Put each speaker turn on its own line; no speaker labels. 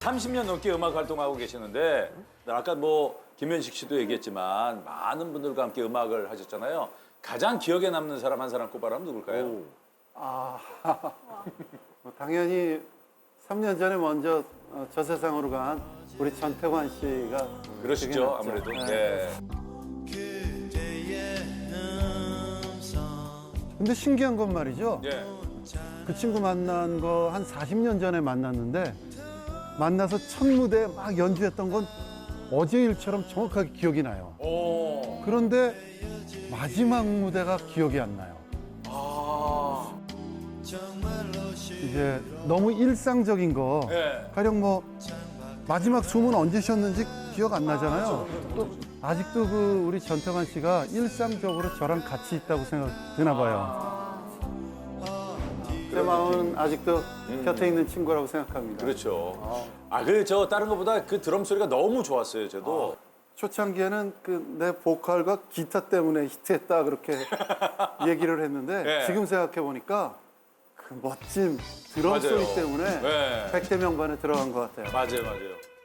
30년 넘게 음악 활동하고 계시는데 아까 뭐 김현식 씨도 얘기했지만 많은 분들과 함께 음악을 하셨잖아요. 가장 기억에 남는 사람 한 사람 꼽아라면 누굴까요?
뭐 당연히 3년 전에 먼저 저 세상으로 간 우리 전태관 씨가
그러시죠,
기억에 남죠.
아무래도.
네. 근데 신기한 건 말이죠.
예.
그 친구 만난 거 한 40년 전에 만났는데 만나서 첫 무대 막 연주했던 건 어제 일처럼 정확하게 기억이 나요.
오.
그런데 마지막 무대가 기억이 안 나요.
아.
이제 너무 일상적인 거.
예.
가령 뭐 마지막 춤은 언제 쉬었는지 기억 안 나잖아요. 또 아직도 그 우리 전태관 씨가 일상적으로 저랑 같이 있다고 생각되나 봐요. 제 마음은 아직도 곁에 있는 친구라고 생각합니다.
그렇죠. 그래 저 다른 것보다 그 드럼 소리가 너무 좋았어요, 저도.
초창기에는 그 내 보컬과 기타 때문에 히트했다 그렇게 얘기를 했는데
네.
지금 생각해 보니까 그 멋진 드럼
맞아요.
소리 때문에
네.
백대 명반에 들어간 것 같아요.
맞아요, 맞아요.